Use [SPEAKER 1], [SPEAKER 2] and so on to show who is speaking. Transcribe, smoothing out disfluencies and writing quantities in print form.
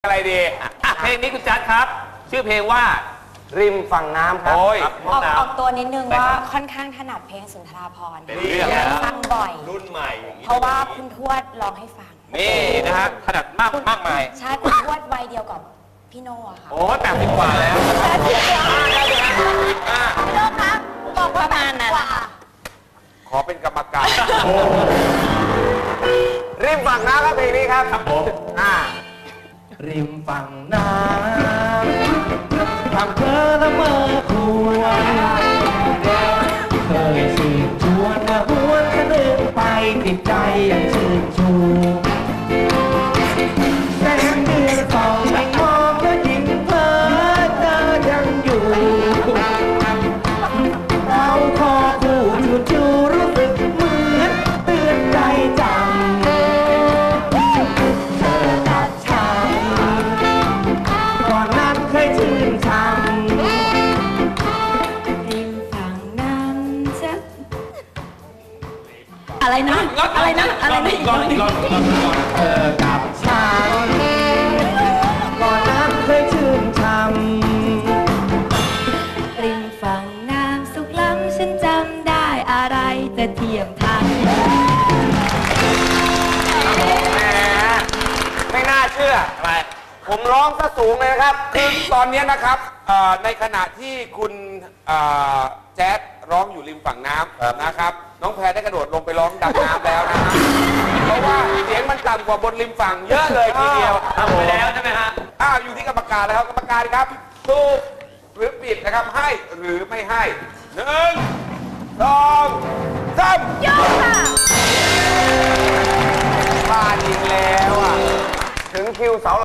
[SPEAKER 1] อะไรดีเพลงนี้คุณจัดครับชื่อเพลงว่า
[SPEAKER 2] ริมฝั่งน้ำครับ
[SPEAKER 1] โอ้ย
[SPEAKER 3] ออกตัวนิดนึงว่าค่อนข้างถนัดเพลงสุนทราภรณ์ฟังบ่อย
[SPEAKER 1] รุ่นใหม่
[SPEAKER 3] เพราะว่าคุณทวดร้องให้ฟัง
[SPEAKER 1] นี่นะฮะถนัดมากมาย
[SPEAKER 3] ใช่คุณทวดวัยเดียวกับพี่โน่อะค่ะ
[SPEAKER 1] โอ้ย80 กว่าแล้ว
[SPEAKER 3] พี่โน่ครับบอกประมาณนั้น
[SPEAKER 1] ขอเป็นกรรมการ
[SPEAKER 2] ริมฝั่งน้ำครับเพลงนี้ครับ
[SPEAKER 1] ครับผม
[SPEAKER 4] ริมฝั่งน้ำทำเพ้อละเมอควรเคยชื่นชวนมาหวนคะนึงไปติดใจยังชื่นชูแสงเดือนส่องไม่มองแล้วยิ่งเพ้อเจอยังอยู่เราคอคู่ชูชูรู้สึกเหมือนเตือนใจจังชื่นชม
[SPEAKER 3] ริมฝั่งน้ำจะอะไรนะอะไรนะอะไรนะ
[SPEAKER 1] ก่อน
[SPEAKER 4] เธอกับฉันก่อนนั้นเคยชื่นชม
[SPEAKER 3] ริมฝั่งน้ำสุขล้ำฉันจำได้อะไรจะเทียมทัน
[SPEAKER 2] แหมไม่น่าเชื่อ
[SPEAKER 1] อะไร
[SPEAKER 2] ผมร้องซะสูงเลยนะครับ
[SPEAKER 1] คือตอนนี้นะครับในขณะที่คุณแจ๊ดร้องอยู่ริมฝั่งน้ำนะครับน้องแพรได้กระโดดลงไปร้องดังน้ำแล้วนะฮะเพราะว่าเสียงมันต่ำกว่าบนริมฝั่งเยอะเลยทีเดียวทำไปแล้วใช่ไหมฮะอยู่ที่กรรมการแล้วครับกรรมการครับถูกหรือผิดนะครับให้หรือไม่ให้1 2 3
[SPEAKER 3] ยกค่ะ
[SPEAKER 2] พลาดอีกแล้วอ่ะ ถึงคิวเสา